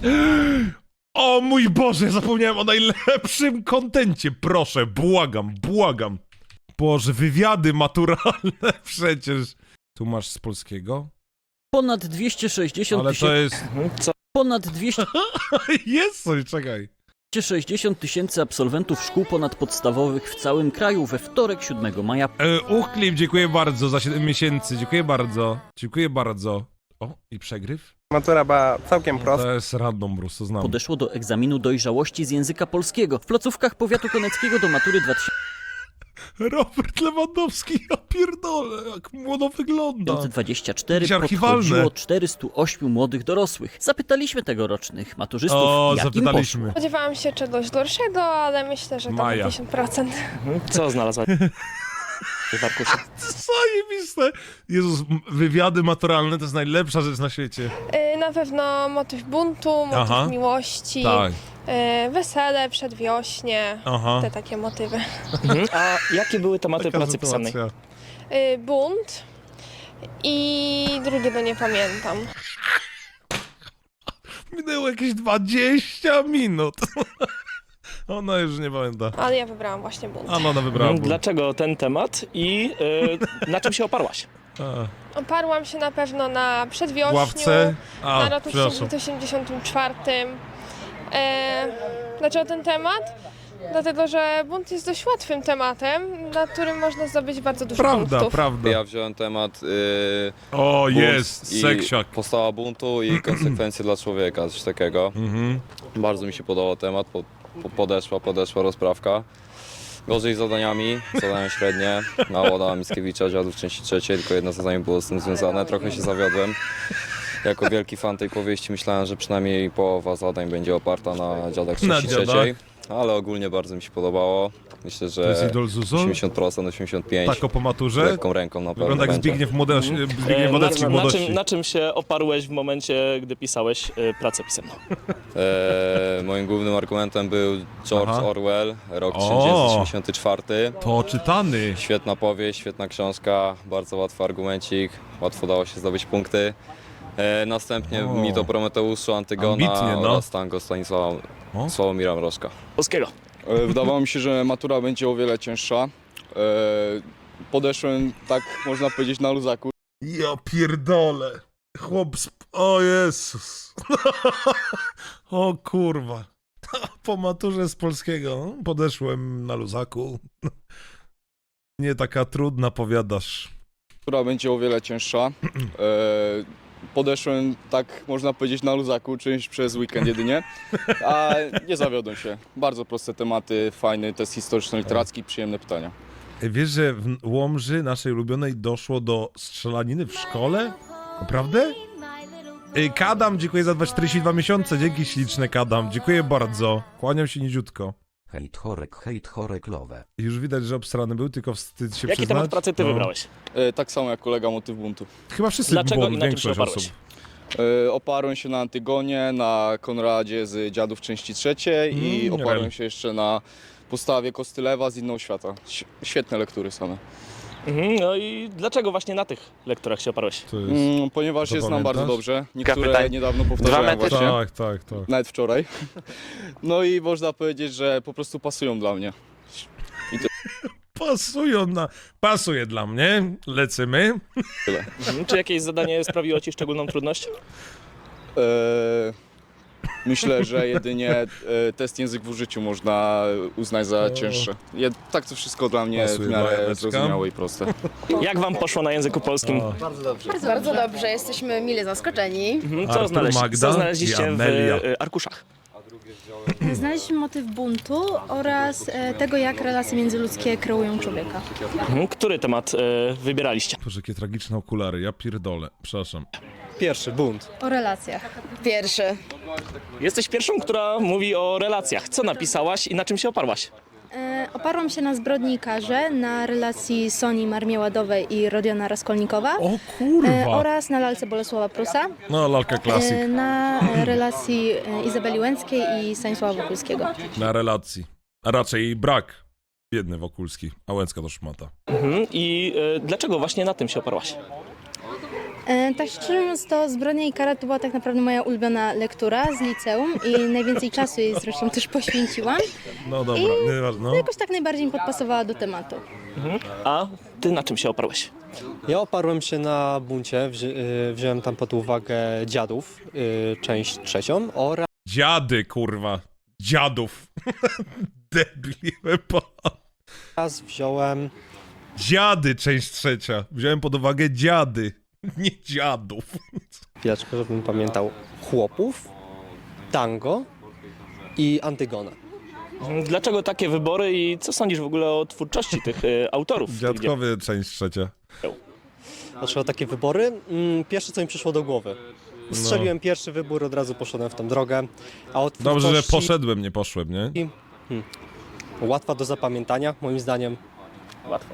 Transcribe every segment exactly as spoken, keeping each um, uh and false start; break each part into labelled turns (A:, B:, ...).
A: O mój Boże, zapomniałem o najlepszym kontencie. Proszę, błagam, błagam. Boże, wywiady maturalne przecież. Tu masz z polskiego?
B: Ponad dwieście sześćdziesiąt
A: Ale to
B: tysięcy...
A: jest...
B: Co? Ponad dwieście
A: Jest coś, czekaj.
B: sześćdziesiąt tysięcy absolwentów szkół ponadpodstawowych w całym kraju we wtorek siódmego maja
A: E, Uchlip, dziękuję bardzo za siedem miesięcy. Dziękuję bardzo. Dziękuję bardzo. O, i przegryw?
C: Matura była całkiem prosta.
A: To jest random, Bruce, to znam.
B: podeszło do egzaminu dojrzałości z języka polskiego. W placówkach powiatu koneckiego do matury dwa tysiące
A: Robert Lewandowski, ja pierdolę, jak młodo wygląda.
B: dwudziestego czwartego
A: Jakieś archiwalne.
B: podchodziło czterystu ośmiu młodych dorosłych. Zapytaliśmy tegorocznych maturzystów,
A: O,
B: jak im poszło.
A: zapytaliśmy.
D: Spodziewałam się czegoś gorszego, ale myślę, że to
A: Maja.
D: pięćdziesiąt procent.
E: Co znalazłaś w arkuszu?
A: Zajebiste. Jezus, m- wywiady maturalne to jest najlepsza rzecz na świecie.
D: Yy, na pewno motyw buntu, motyw
A: Aha.
D: miłości,
A: Tak,
D: yy, wesele, przedwiośnie,
A: aha.
D: te takie motywy.
E: Mhm. A jakie były tematy
A: Taka
E: pracy pisanej?
A: sytuacja.
D: Yy, bunt i drugiego nie pamiętam.
A: Minęło jakieś dwadzieścia minut. Ona już nie pamięta.
D: Ale ja wybrałam właśnie bunt.
A: A no, ona wybrała.
E: Mhm.
A: ból.
E: Dlaczego ten temat i y, na czym się oparłaś?
A: A,
D: Oparłam się na pewno na przedwiośniu,
A: ławce.
D: na
A: A,
D: roku
A: przepraszam.
D: tysiąc dziewięćset osiemdziesiątym czwartym. Yy, dlaczego ten temat? Dlatego, że bunt jest dość łatwym tematem, na którym można zdobyć bardzo dużo
A: Prawda,
D: punktów.
A: prawda.
F: Ja wziąłem temat yy,
A: O,
F: bunt
A: jest,
F: i
A: seksiak.
F: Postawa buntu i konsekwencje dla człowieka, coś takiego.
A: Mhm.
F: Bardzo mi się podobał temat, po, po, podeszła, podeszła rozprawka. Gorzej z zadaniami, zadania średnie, na Adama Mickiewicza, Dziadów części trzeciej, tylko jedno zadanie było z tym związane, trochę się zawiodłem. Jako wielki fan tej powieści myślałem, że przynajmniej połowa zadań będzie oparta na Dziadach
A: Na
F: części trzeciej, ale ogólnie bardzo mi się podobało. Myślę,
A: To jest
F: że
A: idol Zuzol?
F: osiemdziesiąt procent, osiemdziesiąt pięć procent.
A: Tak o po maturze?
F: Lekką ręką na pewno
A: Wygląda jak
F: będzie.
A: Zbigniew, Młode... Zbigniew
E: E, na,
A: Wodecki w
E: na, na,
A: młodości.
E: czym, na czym się oparłeś w momencie, gdy pisałeś y, pracę pisemną?
F: E, moim głównym argumentem był George
A: Aha.
F: Orwell, rok
A: O!
F: tysiąc dziewięćset osiemdziesiąty czwarty.
A: To czytany.
F: Świetna powieść, świetna książka, bardzo łatwy argumencik, łatwo dało się zdobyć punkty. E, następnie
A: O.
F: mit o Prometeuszu, Antygona
A: Ambitnie, no.
F: oraz tango Stanisława
A: O.
F: Sławomira Mrożka.
E: Polskiego.
G: E, Wydawało mi się, że matura będzie o wiele cięższa. E, Podeszłem, tak można powiedzieć, na luzaku.
A: Ja pierdolę. Chłop sp... O Jezus. O kurwa. Po maturze z polskiego podeszłem na luzaku. Nie taka trudna, powiadasz.
G: Matura będzie o wiele cięższa. E, Podeszłem, tak można powiedzieć, na luzaku, czymś przez weekend jedynie. A nie zawiodłem się. Bardzo proste tematy, fajny test historyczno-literacki, przyjemne pytania.
A: Ej, wiesz, że w Łomży, naszej ulubionej, doszło do strzelaniny w szkole? Naprawdę? Ej, Kadam, dziękuję za czterdzieści dwa miesiące. Dzięki śliczne, Kadam. Dziękuję bardzo. Kłaniam się niziutko.
H: Hejt chorek, hejt chorek lowe.
A: Już widać, że obstrany był, tylko wstyd się
E: Jaki
A: przyznać.
E: temat pracy ty
A: No.
E: wybrałeś?
G: E, Tak samo jak kolega motyw buntu.
A: Chyba wszyscy,
E: Dlaczego
A: bo
E: i na czym się
A: większość
E: oparłeś?
A: osób.
G: E, Oparłem się na Antygonie, na Konradzie z Dziadów części trzeciej i
A: Mm,
G: oparłem
A: rel.
G: się jeszcze na postawie Kostylewa z Inną świata. Ś- Świetne lektury same.
E: Mhm. No i dlaczego właśnie na tych lekturach się oparłeś?
A: To jest...
G: Mm, ponieważ
A: To
G: je znam
A: pamiętasz?
G: bardzo dobrze. Niektóre
E: Kapitan.
G: niedawno powtarzałem
E: Dwa metry.
G: właśnie.
A: Tak, tak, tak.
G: Nawet wczoraj. No i można powiedzieć, że po prostu pasują dla mnie.
A: Pasują na... Pasuje dla mnie. Lecymy.
E: Mhm. Czy jakieś zadanie sprawiło ci szczególną trudność?
G: Eee, myślę, że jedynie e, test język w użyciu można uznać za cięższe. Je, tak to wszystko dla mnie
A: Pasuje
G: w
A: dla
G: miarę
A: Janeczka.
G: zrozumiałe i proste.
E: Jak wam poszło na języku polskim?
A: O.
I: Bardzo dobrze, jesteśmy mile zaskoczeni.
E: Mhm. Co,
A: Artur,
E: znaleźć,
A: Magda
E: co znaleźliście
A: i
E: w
A: Amelia.
E: y, arkuszach?
J: Znaleźliśmy motyw buntu oraz e, tego, jak relacje międzyludzkie kreują człowieka.
E: Mhm. Który temat y, wybieraliście?
A: Boże, jakie tragiczne okulary. Ja pierdolę. Przepraszam.
C: Pierwszy, bunt.
J: O relacjach.
I: Pierwszy.
E: Jesteś pierwszą, która mówi o relacjach. Co napisałaś i na czym się oparłaś?
J: E, oparłam się na Zbrodnikarze, na relacji Soni Marmieładowej i Rodiona Raskolnikowa
A: O
J: e,
A: kurwa.
J: oraz na lalce Bolesława Prusa,
A: No, lalka
J: e,
A: klasyk.
J: na e, relacji e, Izabeli Łęckiej i Stanisława Wokulskiego.
A: Na relacji. A raczej brak. Biedny Wokulski. A Łęcka to szmata.
E: Mhm. I y, dlaczego właśnie na tym się oparłaś?
J: E, tak szczerze mówiąc, to Zbrodnia i kara to była tak naprawdę moja ulubiona lektura z liceum i najwięcej czasu jej zresztą też poświęciłam.
A: No dobra, nieważne.
J: To
A: No.
J: jakoś tak najbardziej mi podpasowała do tematu.
E: A ty na czym się oparłeś?
C: Ja oparłem się na buncie, wzi y, wziąłem tam pod uwagę Dziadów, y, część trzecią oraz
A: Dziady, kurwa. Dziadów. Debil, po.
C: wziąłem
A: Dziady, część trzecia. Wziąłem pod uwagę dziady, nie dziadów.
C: chwileczkę, żebym pamiętał, Chłopów, Tango i Antygona.
E: Dlaczego takie wybory i co sądzisz w ogóle o twórczości tych y, autorów? tych dzieł?
A: Dziadkowy, część trzecia.
C: Dlaczego takie wybory? Mm, pierwsze, co mi przyszło do głowy. Strzeliłem pierwszy wybór, od razu poszedłem w tą drogę. A od
A: Dobrze, że
C: twórczości
A: poszedłem, nie poszłem, nie?
C: łatwa do zapamiętania, moim zdaniem.
E: Łatwo.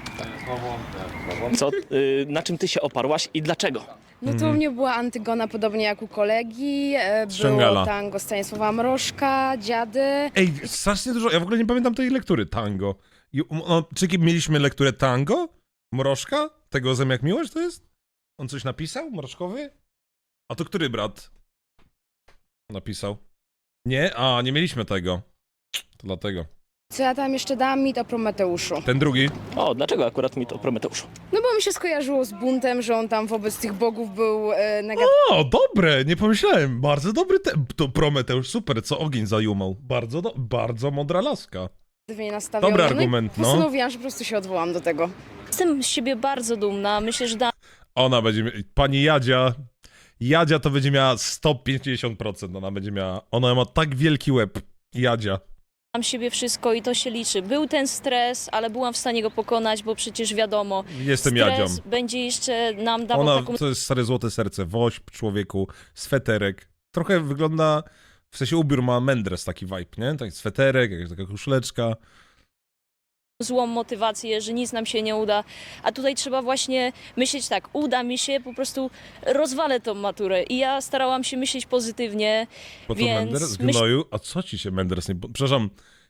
E: Co, y, na czym ty się oparłaś i dlaczego?
I: No to u mnie była Antygona, podobnie jak u kolegi. e,
A: Ściągala.
I: Było tango Stanisława Mrożka, Dziady.
A: Ej, strasznie dużo, ja w ogóle nie pamiętam tej lektury, tango. I, no, czy mieliśmy lekturę tango? Mrożka? Tego Zem jak miłość to jest? On coś napisał? Mrożkowy? A to który brat napisał? Nie? A, nie mieliśmy tego. To dlatego.
I: Co ja tam jeszcze dam? Mit o Prometeuszu.
A: Ten drugi?
E: O, dlaczego akurat mi to Prometeuszu?
I: No bo mi się skojarzyło z buntem, że on tam wobec tych bogów był e, negatywnie
A: O, dobre, nie pomyślałem. Bardzo dobry te... To Prometeusz, super, co ogień zajumał. Bardzo, do... bardzo mądra laska.
I: nastawiony.
A: Dobry
I: No i
A: argument, no.
I: postanowiłam, że po prostu się odwołam do tego.
J: Jestem z siebie bardzo dumna. Myślę, że dałam
A: Ona będzie... mia- Pani Jadzia... Jadzia to będzie miała sto pięćdziesiąt procent. Ona będzie miała... Ona ma tak wielki łeb. Jadzia.
J: siebie wszystko i to się liczy. Był ten stres, ale byłam w stanie go pokonać, bo przecież wiadomo,
A: Jestem
J: stres
A: Jadzią.
J: będzie jeszcze nam dawał
A: Ona
J: taką
A: to jest stare złote serce. Wośp, człowieku, sweterek. Trochę wygląda... W sensie ubiór ma Mendres taki vibe, nie? Taki sweterek, jakaś taka koszuleczka.
J: złą motywację, że nic nam się nie uda. A tutaj trzeba właśnie myśleć tak, uda mi się, po prostu rozwalę tą maturę. I ja starałam się myśleć pozytywnie,
A: Po co
J: więc
A: Menders?
J: myśl-
A: Gnoju? A co ci się Menders nie... po- Przepraszam.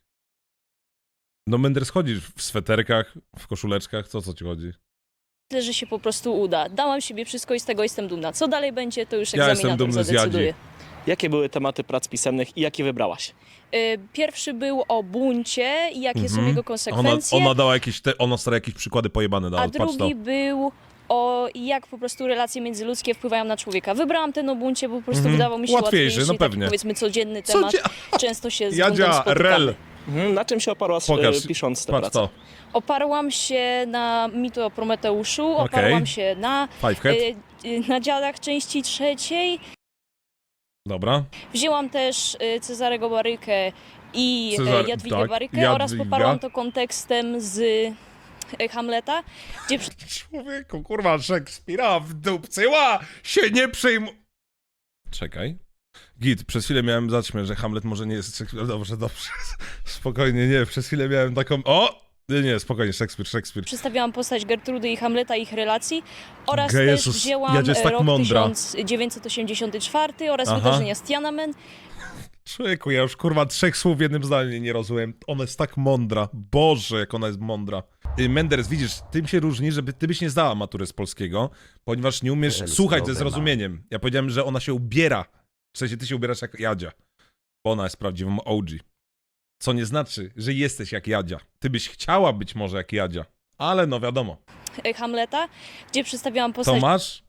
A: No Menders chodzi w sweterkach, w koszuleczkach, co co ci chodzi?
J: myślę, że się po prostu uda. Dałam siebie wszystko i z tego jestem dumna. Co dalej będzie, to już
A: Ja jestem
J: egzaminator
A: dumny z
J: zadecyduje.
A: Jadzi.
E: Jakie były tematy prac pisemnych i jakie wybrałaś?
J: Y, Pierwszy był o buncie i jakie są
A: Mhm.
J: jego
A: Ona,
J: konsekwencje,
A: ona dała jakieś, te, ona stara jakieś przykłady pojebane dała,
J: a
A: patrz to.
J: drugi był o jak po prostu relacje międzyludzkie wpływają na człowieka. Wybrałam ten o buncie, bo po prostu
A: Mhm.
J: wydawał mi się
A: Łatwiejszy,
J: łatwiejszy,
A: no
J: taki,
A: pewnie.
J: powiedzmy codzienny
A: Co
J: temat.
A: dzie-
J: Często się z buntem
A: Jadzia,
J: spotykamy.
A: rel,
E: Mhm, na czym się oparłaś
A: pokaż,
E: e, pisząc tę
A: patrz
E: pracę?
A: to.
J: Oparłam się na mitu o Prometeuszu, oparłam się na,
A: Fivehead,
J: y, y, na dziadach części trzeciej.
A: dobra.
J: Wzięłam też y, Cezarego Barykę i
A: Cezar-
J: Cezar, Jadwigę
A: tak,
J: Barykę oraz
A: Jadwiga.
J: poparłam to kontekstem z y, Hamleta, gdzie przy-
A: Człowieku, kurwa, Szekspira wdupcyła się nie przejmu... Czekaj. Git, przez chwilę miałem zaćmę, że Hamlet może nie jest Szekspir. Dobrze, dobrze. Spokojnie, nie, przez chwilę miałem taką... O! Nie, nie, spokojnie, Szekspir, Szekspir.
J: przedstawiałam postać Gertrudy i Hamleta, ich relacji oraz
A: Ge-
J: też
A: Jezus,
J: wzięłam
A: Jadzia jest tak
J: rok
A: mądra.
J: tysiąc dziewięćset osiemdziesiąty czwarty oraz
A: Aha.
J: wydarzenia z Tiananmen.
A: Człowieku, ja już kurwa trzech słów w jednym zdaniu nie rozumiem. Ona jest tak mądra. Boże, jak ona jest mądra. Y, Menders, widzisz, tym się różni, żeby ty byś nie zdała matury z polskiego, ponieważ nie umiesz
H: El
A: słuchać ze
H: Problema.
A: zrozumieniem. Ja powiedziałem, że ona się ubiera. W sensie ty się ubierasz jak Jadzia. Bo ona jest prawdziwą O G. Co nie znaczy, że jesteś jak Jadzia. Ty byś chciała być może jak Jadzia. Ale no wiadomo.
J: e, Hamleta, gdzie przedstawiałam postać
A: Tomasz?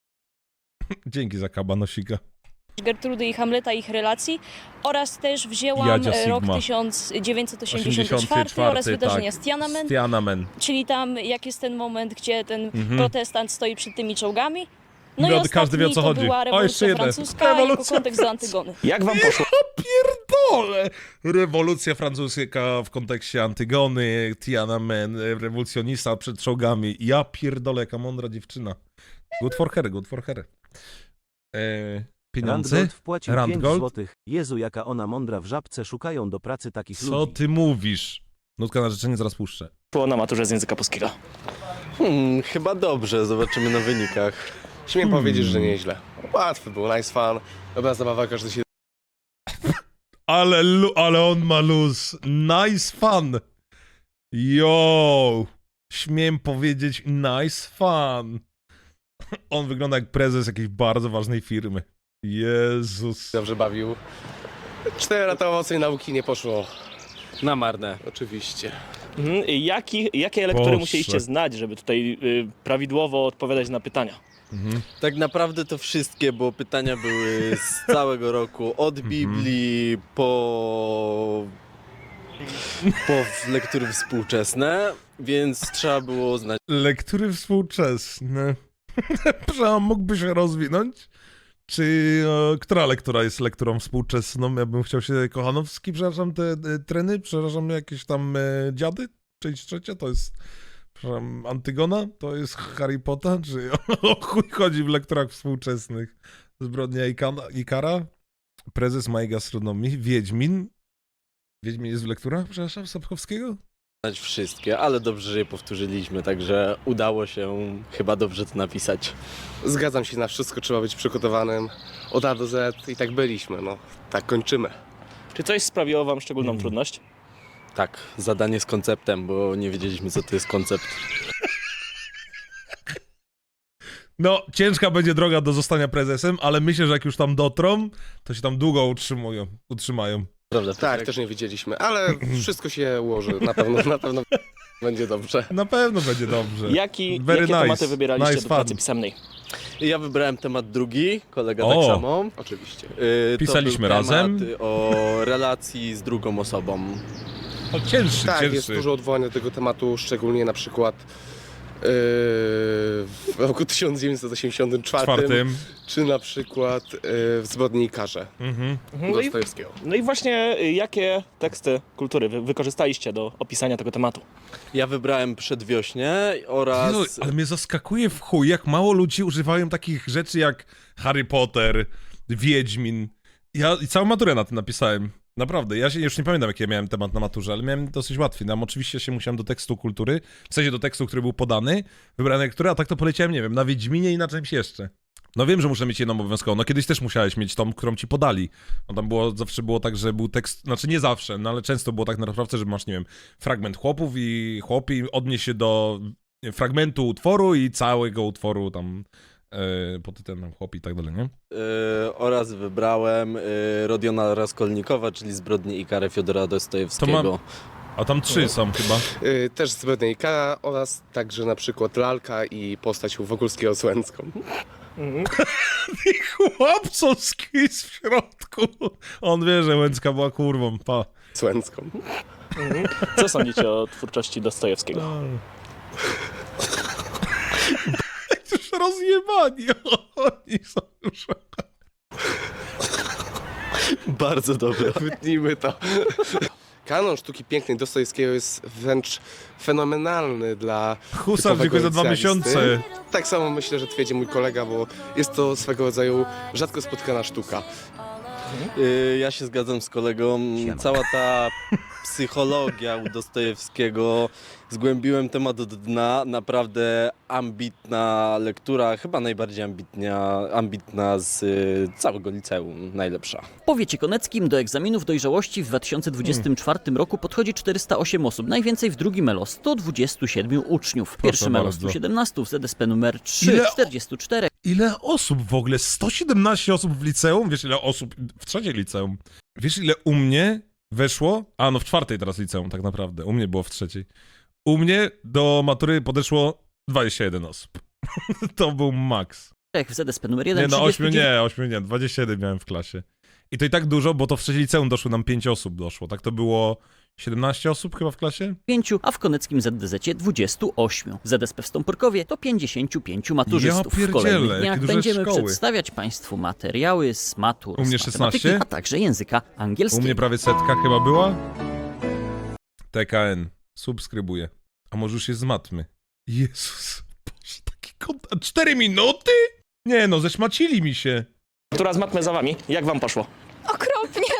A: Dzięki za kabanosika.
J: Gertrudy i Hamleta, ich relacji oraz też wzięłam
A: Jadzia
J: e, rok
A: Sigma.
J: tysiąc dziewięćset osiemdziesiąty czwarty oraz wydarzenia z Tiananmen,
A: Tiananmen.
J: czyli tam jak jest ten moment, gdzie ten
A: Mhm.
J: protestant stoi przed tymi czołgami. No
A: Wiad-
J: i
A: każdy wie, o
J: ostatni
A: co
J: to
A: chodzi.
J: była
A: O,
J: rewolucja
A: jeszcze jeden.
J: francuska jako
A: Rewolucja
J: kontekst do
A: francuska.
J: Antygony.
E: Jak wam poszło?
A: Pierdolę! Rewolucja francuska w kontekście Antygony, Tiananmen, rewolucjonista przed czołgami. Ja pierdolę, jaka mądra dziewczyna. Good for her, good for her. Eee, pieniądze?
H: Randgold wpłacił pięć
A: Randgold?
H: złotych. Jezu, jaka ona mądra w żabce, szukają do pracy takich
A: Co
H: ludzi.
A: ty mówisz? Nutka na życzenie zaraz puszczę.
E: Było na maturze z języka polskiego.
C: Hmm, chyba dobrze, zobaczymy na wynikach. Śmiem
A: Hmm.
C: powiedzieć, że nieźle. Łatwy był, nice fun. Dobra zabawa, każdy się
A: Ale, lu- ale on ma luz. Nice fun. Yo. Śmiem powiedzieć nice fun. On wygląda jak prezes jakiejś bardzo ważnej firmy. Jezus.
K: Dobrze bawił. Cztery lata owocnej nauki nie poszło na marne, oczywiście.
E: Mhm. Jaki, jakie lektury
A: Boże.
E: musieliście znać, żeby tutaj y, prawidłowo odpowiadać na pytania?
A: Mhm.
L: Tak naprawdę to wszystkie, bo pytania były z całego roku, od Biblii po, po lektury współczesne, więc trzeba było znać.
A: Lektury współczesne. Przepraszam, mógłby się rozwinąć? Czy e, która lektura jest lekturą współczesną? Ja bym chciał się Kochanowski, przepraszam, te, te treny, przepraszam, jakieś tam e, dziady? Część trzecia to jest, przepraszam, Antygona? To jest Harry Potter? Czy o, o chuj chodzi w lekturach współczesnych? Zbrodnia Ikana, Ikara? Prezes mojej gastronomii? Wiedźmin? Wiedźmin jest w lekturach, przepraszam, Sapkowskiego?
L: Znać wszystkie, ale dobrze, że je powtórzyliśmy, także udało się chyba dobrze to napisać.
K: Zgadzam się, na wszystko trzeba być przygotowanym od A do Z i tak byliśmy, no. Tak kończymy.
E: Czy coś sprawiło wam szczególną trudność?
L: Tak, zadanie z konceptem, bo nie wiedzieliśmy, co to jest koncept.
A: No, ciężka będzie droga do zostania prezesem, ale myślę, że jak już tam dotrą, to się tam długo utrzymują, utrzymają.
L: Prawda,
K: Tak,
L: Piotrek?
K: też nie wiedzieliśmy, ale wszystko się ułoży, na pewno, na pewno będzie dobrze.
A: Na pewno będzie dobrze.
E: Jaki,
A: Very
E: jakie
A: nice.
E: tematy wybieraliście
A: Nice
E: do pracy
A: fun.
E: pisemnej?
L: Ja wybrałem temat drugi, kolega
A: O!
L: tak samo.
K: Oczywiście.
L: Yy,
A: Pisaliśmy
L: to był
A: razem.
L: temat o relacji z drugą osobą.
A: O, cięższy,
K: Tak,
A: cięższy.
K: jest dużo odwołań do tego tematu, szczególnie na przykład yy, w roku tysiąc dziewięćset osiemdziesiątym czwartym,
A: Czwartym. czy
K: czy na przykład yy, w Zbrodni i Karze
A: Mhm.
E: Mhm. No, i,
K: Dostojewskiego.
E: no i właśnie y, jakie teksty kultury wy wykorzystaliście do opisania tego tematu?
L: Ja wybrałem Przedwiośnie oraz...
A: Jezu, ale mnie zaskakuje w chuj, jak mało ludzi używają takich rzeczy jak Harry Potter, Wiedźmin. Ja i całą maturę na tym napisałem. Naprawdę, ja się już nie pamiętam, jaki ja miałem temat na maturze, ale miałem dosyć łatwy. Tam oczywiście się musiałem do tekstu kultury, w sensie do tekstu, który był podany, wybrane lektury, a tak to poleciałem, nie wiem, na Wiedźminie i na czymś jeszcze. No wiem, że muszę mieć jedną obowiązkową. No kiedyś też musiałeś mieć tą, którą ci podali. No tam było, zawsze było tak, że był tekst, znaczy nie zawsze, no ale często było tak na naprawdę, że masz, nie wiem, fragment chłopów i chłopi odnieś się do fragmentu utworu i całego utworu tam yy, pod tytułem chłopi i tak dalej, nie?
L: Yy, oraz wybrałem yy, Rodiona Raskolnikowa, czyli Zbrodnię i karę Fiodora Dostojewskiego.
A: To mam- A tam trzy są chyba.
K: Yy, też Zbrodnia i Kara oraz także na przykład Lalka i postać Wokulskiego z Łęcką.
E: Mhm.
A: I chłopcowski w środku. On wie, że Łęcka była kurwą, pa.
K: Z Łęcką.
E: Mhm. Co sądzicie o twórczości Dostojewskiego?
A: Już rozjebani. Oni są już...
L: Bardzo dobre.
K: Wytnijmy to. Kanon sztuki pięknej Dostojewskiego jest wręcz fenomenalny dla
A: Husar,
K: typowego
A: dziękuję za dwa
K: licealisty.
A: miesiące.
K: Tak samo myślę, że twierdzi mój kolega, bo jest to swego rodzaju rzadko spotkana sztuka.
L: Yy, ja się zgadzam z kolegą. Cała ta psychologia u Dostojewskiego, zgłębiłem temat do dna. Naprawdę ambitna lektura, chyba najbardziej ambitnia, ambitna z y, całego liceum, najlepsza.
B: W powiecie koneckim do egzaminów dojrzałości w dwa tysiące dwudziestym czwartym roku podchodzi czterysta osiem osób, najwięcej w drugim ELO sto dwadzieścia siedem uczniów, w
A: Proszę
B: pierwszym ELO
A: bardzo.
B: sto siedemnaście, w Z S P numer trzy
A: Ile-
B: czterdzieści cztery.
A: Ile osób w ogóle? sto siedemnaście osób w liceum? Wiesz, ile osób w trzeciej liceum? Wiesz, ile u mnie weszło? A, no w czwartej teraz liceum, tak naprawdę. U mnie było w trzeciej. U mnie do matury podeszło dwadzieścia jeden osób. To był maks.
B: w Z S P numer jeden
A: Nie, no
B: trzydzieści
A: ośmiu
B: dziewięć.
A: nie, ośmiu nie, dwadzieścia jeden miałem w klasie. I to i tak dużo, bo to w trzeciej liceum doszło nam pięć osób doszło. Tak to było siedemnaście osób chyba w klasie?
B: pięciu, a w koneckim Z D Z dwadzieścia osiem. W Z S P w Stąporkowie to pięćdziesiąt pięć maturzystów.
A: Ja
B: w kolejnych
A: pierdzielę,
B: dniach
A: jakie duże
B: będziemy
A: szkoły.
B: przedstawiać Państwu materiały z matur,
A: U mnie
B: z matematyki,
A: szesnaście?
B: a także języka
A: U
B: angielskiego.
A: mnie prawie setka chyba była. T K N. Subskrybuję. A może już jest z matmy? Jezus. Boże, taki kontent. Cztery minuty? Nie no, zeszmacili mi się.
E: Która z matmy za wami? Jak wam poszło?
D: Okropnie.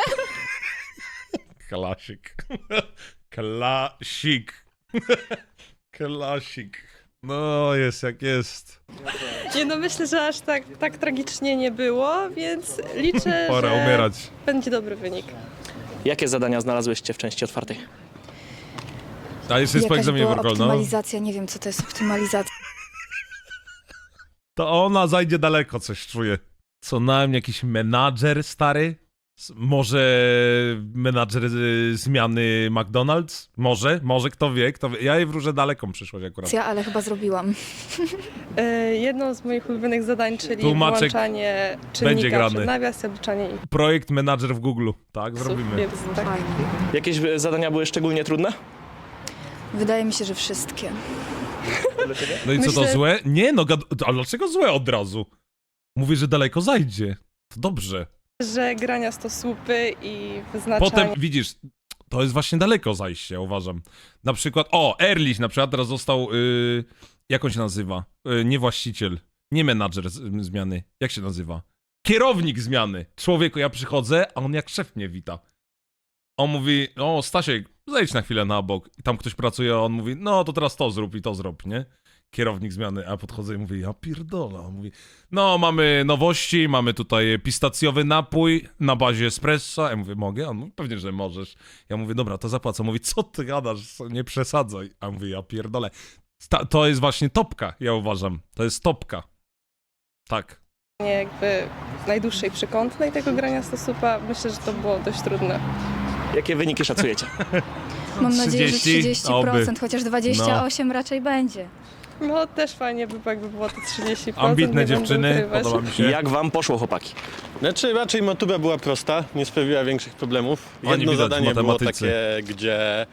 A: Klasik. Klasik. Klasik. No, jest jak jest.
D: Nie no, myślę, że aż tak, tak tragicznie nie było, więc liczę,
A: Pora
D: że
A: umierać.
D: będzie dobry wynik.
E: Jakie zadania znalazłyście w części otwartej?
A: A jeszcze jest po egzaminie Workolno.
I: nie wiem co to jest optymalizacja.
A: To ona zajdzie daleko, coś czuję. Co najmniej jakiś menadżer stary? S- Może menadżer y, zmiany McDonald's? Może, może, kto wie, kto wie. Ja jej wróżę daleką przyszłość akurat.
I: Ale chyba zrobiłam.
D: E, jedno z moich ulubionych zadań, czyli
A: Tłumaczek
D: włączanie
A: będzie
D: czynnika
A: grany.
D: przed nawias i obliczanie ich.
A: Projekt menadżer w Google. Tak, zrobimy.
D: Więc tak.
E: Jakieś e, zadania były szczególnie trudne?
I: Wydaje mi się, że wszystkie.
A: No i co to
D: Myślę-
A: złe? Nie no, gad- a dlaczego złe od razu? Mówię, że daleko zajdzie. To dobrze.
D: Że grania stosłupy i wyznaczanie...
A: Potem widzisz, to jest właśnie daleko zajście, ja uważam. Na przykład, o, Erlich na przykład teraz został, yy, jak on się nazywa? Yy, nie właściciel, nie menadżer z, zmiany, jak się nazywa? Kierownik zmiany. Człowieku, ja przychodzę, a on jak szef mnie wita. On mówi, o Stasiek, zejdź na chwilę na bok. I tam ktoś pracuje, a on mówi, no to teraz to zrób i to zrób, nie? Kierownik zmiany, a podchodzę i mówię, ja pierdolę. On mówi, no mamy nowości, mamy tutaj pistacjowy napój na bazie espresso. Ja mówię, mogę? On mówi, pewnie, że możesz. Ja mówię, dobra, to zapłacę. On mówi, co ty gadasz, nie przesadzaj. A ja mówię, ja pierdolę. Ta, to jest właśnie topka, ja uważam. To jest topka. Tak.
D: jakby najdłuższej przekątnej tego grania stosupa. Myślę, że to było dość trudne.
E: Jakie wyniki szacujecie?
I: Mam nadzieję, że
A: trzydzieści?
I: trzydzieści procent, chociaż dwadzieścia osiem raczej będzie.
D: No też fajnie by, jakby było to trzydzieści procent.
A: Ambitne
D: nie będę
A: dziewczyny,
D: ukrywać.
A: podoba mi się.
E: Jak wam poszło, chłopaki?
L: Znaczy raczej matura była prosta, nie sprawiła większych problemów.
A: Oni
L: Jedno
A: widać w
L: zadanie było
A: matematyce.
L: takie, gdzie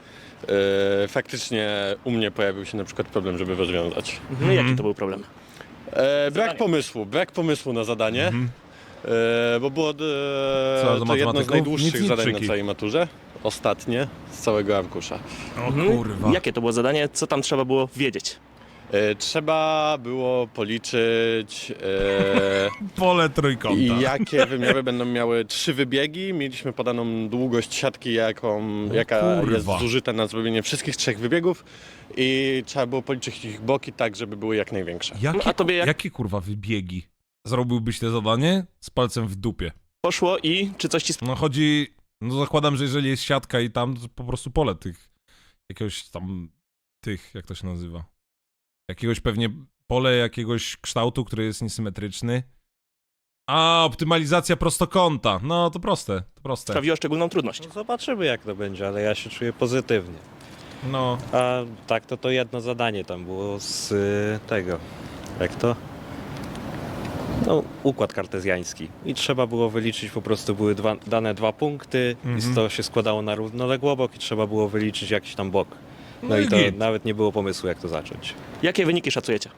L: e, faktycznie u mnie pojawił się na przykład problem, żeby rozwiązać.
E: Mhm. Jaki to był problem?
L: E, brak pomysłu, brak pomysłu na zadanie,
A: Mhm.
L: e, bo było e,
A: Co, do
L: to jedno z
A: matematyków?
L: najdłuższych
A: Nic, nic,
L: zadań
A: trzyki.
L: na całej maturze. Ostatnie z całego arkusza.
A: O
E: Mhm.
A: kurwa.
E: Jakie to było zadanie? Co tam trzeba było wiedzieć?
L: E, trzeba było policzyć e,
A: Pole trójkąta.
L: i jakie wymiary będą miały trzy wybiegi. Mieliśmy podaną długość siatki, jaką, jaka
A: kurwa.
L: jest zużyta na zrobienie wszystkich trzech wybiegów i trzeba było policzyć ich boki tak, żeby były jak największe.
A: Jakie,
E: A tobie jak-
A: jakie kurwa wybiegi? Zrobiłbyś te zadanie z palcem w dupie.
E: Poszło i czy coś ci
A: No chodzi, no zakładam, że jeżeli jest siatka i tam, to po prostu pole tych, jakiegoś tam, tych, jak to się nazywa? Jakiegoś pewnie, pole jakiegoś kształtu, który jest niesymetryczny. A, optymalizacja prostokąta. No, to proste, to proste.
E: sprawiło szczególną trudność?
M: No zobaczymy jak to będzie, ale ja się czuję pozytywnie.
A: No,
M: A tak to to jedno zadanie tam było z y, tego, jak to? No, układ kartezjański. I trzeba było wyliczyć, po prostu były dwa, dane dwa punkty
A: Mhm.
M: i to się składało na równoległobok i trzeba było wyliczyć jakiś tam bok. No,
A: No
M: i
A: i
M: to
A: git.
M: nawet nie było pomysłu jak to zacząć.
E: Jakie wyniki szacujecie?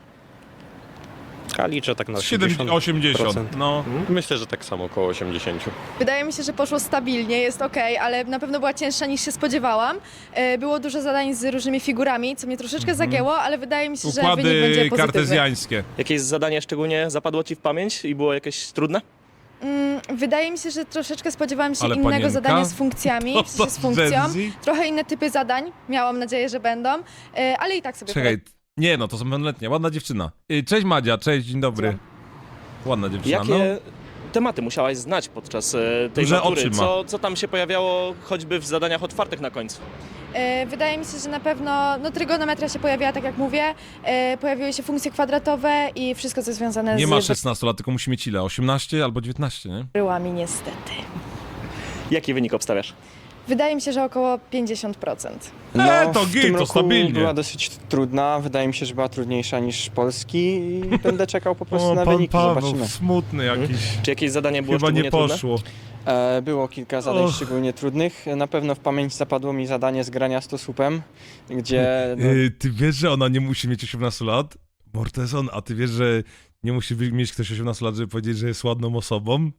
M: A liczę tak na
A: siedem,
M: osiemdziesiąt
A: osiemdziesiąt.
M: procent.
A: No,
L: Myślę, że tak samo, około osiemdziesiąt.
I: Wydaje mi się, że poszło stabilnie, jest ok, ale na pewno była cięższa niż się spodziewałam. E, Było dużo zadań z różnymi figurami, co mnie troszeczkę zagięło, ale wydaje mi się, że wynik będzie
A: układy
I: pozytywny.
A: kartezjańskie.
E: Jakieś zadanie szczególnie zapadło ci w pamięć i było jakieś trudne?
I: Mm, wydaje mi się, że troszeczkę spodziewałam się
A: Ale
I: innego
A: panienka?
I: zadania z funkcjami,
A: To
I: w sensie z
A: to
I: funkcją.
A: Gen Z?
I: Trochę inne typy zadań, miałam nadzieję, że będą, e, ale i tak sobie
A: Czekaj, nie no, to są pełnoletnie, ładna dziewczyna. Y, Cześć Madzia, cześć, dzień dobry. Ładna dziewczyna,
E: Jakie
A: no.
E: tematy musiałaś znać podczas e, tej
A: Duże
E: matury?
A: oczy ma.
E: Co, co tam się pojawiało choćby w zadaniach otwartych na końcu?
I: E, Wydaje mi się, że na pewno no, trygonometria się pojawiła, tak jak mówię, e, pojawiły się funkcje kwadratowe i wszystko, co związane
A: Nie
I: z
A: ma szesnastu lat, tylko musi mieć ile? osiemnaście albo dziewiętnaście, nie?
I: bryłami niestety.
E: Jaki wynik obstawiasz?
I: Wydaje mi się, że około pięćdziesiąt procent.
A: No, e, to git, to stabilnie.
N: Była dosyć trudna, wydaje mi się, że była trudniejsza niż polski i będę czekał po prostu
A: O,
N: na
A: pan
N: wyniki,
A: Paweł,
N: zobaczymy.
A: smutny jakiś.
E: Czy jakieś zadanie było
A: Chyba
E: szczególnie
A: nie
E: trudne?
A: poszło.
N: E, było kilka zadań
A: Och.
N: szczególnie trudnych. Na pewno w pamięć zapadło mi zadanie z grania stosupem, gdzie... No,
A: Y, ty wiesz, że ona nie musi mieć osiemnastu lat? Mortezon, a ty wiesz, że nie musi wy- mieć ktoś osiemnastu lat, żeby powiedzieć, że jest ładną osobą?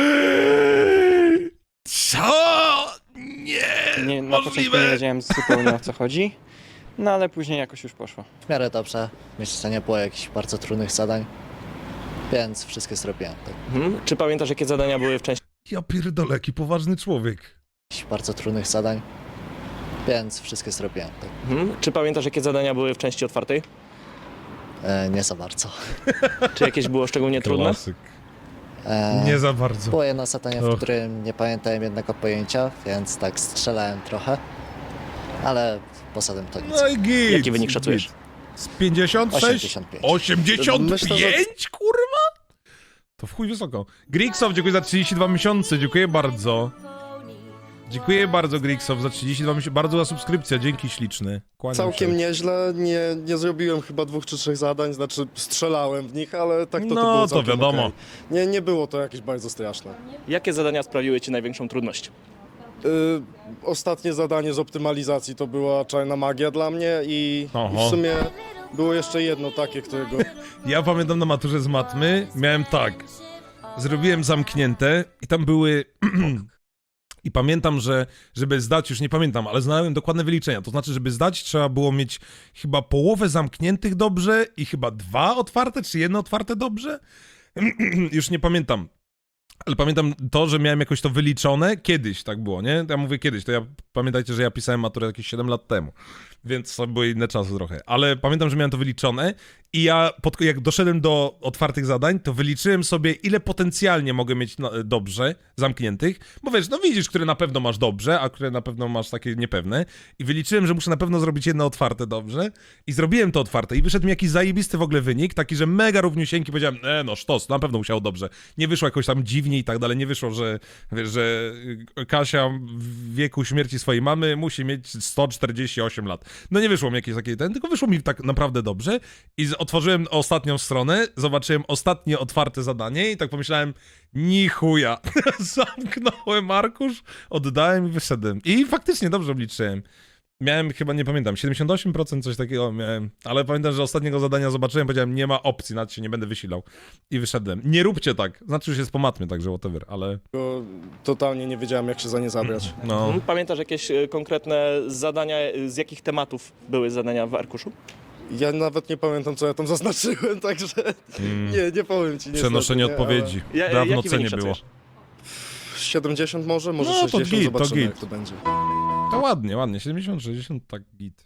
A: Co? Nie,
N: nie, na początku nie
A: możliwe.
N: wiedziałem zupełnie o co chodzi, no ale później jakoś już poszło.
O: W miarę dobrze. Myślę, że nie było jakichś bardzo trudnych zadań, więc wszystkie zrobiłem. Tak.
E: Mhm. Czy pamiętasz, jakie zadania były w części
A: Ja pierdolę, jaki poważny człowiek.
O: Jakichś bardzo trudnych zadań, więc wszystkie zrobiłem. Tak.
E: mhm. Czy pamiętasz, jakie zadania były w części otwartej?
O: E, nie za bardzo.
E: Czy jakieś było szczególnie trudne?
A: Klasyk.
O: E,
A: Nie za bardzo.
O: Było jedno zadanie, w
A: Och.
O: którym nie pamiętałem jednego pojęcia, więc tak strzelałem trochę, ale poza tym to nic.
A: No i git.
E: Jaki wynik szacujesz?
A: git. Z pięćdziesiąt sześć?
O: osiemdziesiąt pięć.
A: osiemdziesiąt pięć,
O: Myślę, że-
A: kurwa? To w chuj wysoko. Grigsow, dziękuję za trzydzieści dwa miesiące, dziękuję bardzo. Dziękuję bardzo, Grigsow, za trzydzieści dwa miesiące. Bardzo za subskrypcję, dzięki śliczny. Kłaniam
P: Całkiem
A: się.
P: nieźle, nie, nie zrobiłem chyba dwóch czy trzech zadań, znaczy strzelałem w nich, ale tak to, to
A: No,
P: było
A: to
P: całkiem
A: wiadomo.
P: okej. Nie, nie było to jakieś bardzo straszne.
E: Jakie zadania sprawiły Ci największą trudność?
P: Y, ostatnie zadanie z optymalizacji to była czarna magia dla mnie i, i
A: Oho.
P: w sumie było jeszcze jedno takie, którego...
A: Ja pamiętam na maturze z matmy, miałem tak, zrobiłem zamknięte i tam były... I pamiętam, że żeby zdać, już nie pamiętam, ale znałem dokładne wyliczenia. To znaczy, żeby zdać, trzeba było mieć chyba połowę zamkniętych dobrze i chyba dwa otwarte, czy jedno otwarte dobrze? Już nie pamiętam. Ale pamiętam to, że miałem jakoś to wyliczone. Kiedyś tak było, nie? Ja mówię kiedyś, to ja pamiętajcie, że ja pisałem maturę jakieś siedem lat temu. Więc to były inne czasy trochę. Ale pamiętam, że miałem to wyliczone i ja pod, jak doszedłem do otwartych zadań, to wyliczyłem sobie, ile potencjalnie mogę mieć na, dobrze zamkniętych. Bo wiesz, no widzisz, które na pewno masz dobrze, a które na pewno masz takie niepewne. I wyliczyłem, że muszę na pewno zrobić jedno otwarte dobrze. I zrobiłem to otwarte. I wyszedł mi jakiś zajebisty w ogóle wynik, taki, że mega równiusieńki. Powiedziałem, e, no sztos, na pewno musiało dobrze. Nie wyszło jakoś tam dziwnie i tak dalej. Nie wyszło, że, wiesz, że Kasia w wieku śmierci swojej mamy musi mieć sto czterdzieści osiem lat. No nie wyszło mi jakieś takie ten, tylko wyszło mi tak naprawdę dobrze i z, otworzyłem ostatnią stronę, zobaczyłem ostatnie otwarte zadanie i tak pomyślałem, ni chuja. Zamknąłem arkusz, oddałem i wyszedłem. I faktycznie dobrze obliczyłem. Miałem chyba, nie pamiętam, siedemdziesiąt osiem procent coś takiego miałem, ale pamiętam, że ostatniego zadania zobaczyłem, powiedziałem, nie ma opcji, nawet się nie będę wysilał. I wyszedłem. Nie róbcie tak, znaczy już jest po matmie, także whatever, ale...
P: Totalnie nie wiedziałem, jak się za nie zabrać.
A: No.
E: Mhm. Pamiętasz jakieś e, konkretne zadania, e, z jakich tematów były zadania w arkuszu?
P: Ja nawet nie pamiętam, co ja tam zaznaczyłem, także
A: Mm.
P: nie, nie powiem ci.
A: Przenoszenie
P: niestety, nie,
A: odpowiedzi.
P: ale-
E: Ja-
A: Dawno
E: jaki
A: C nie
E: wynik
A: było.
E: szacujesz?
P: siedemdziesiąt może, może
A: No, to
P: sześćdziesiąt,
A: git, to
P: zobaczymy
A: git.
P: jak to będzie.
A: To ładnie, ładnie, siedemdziesiąt, sześćdziesiąt, tak git.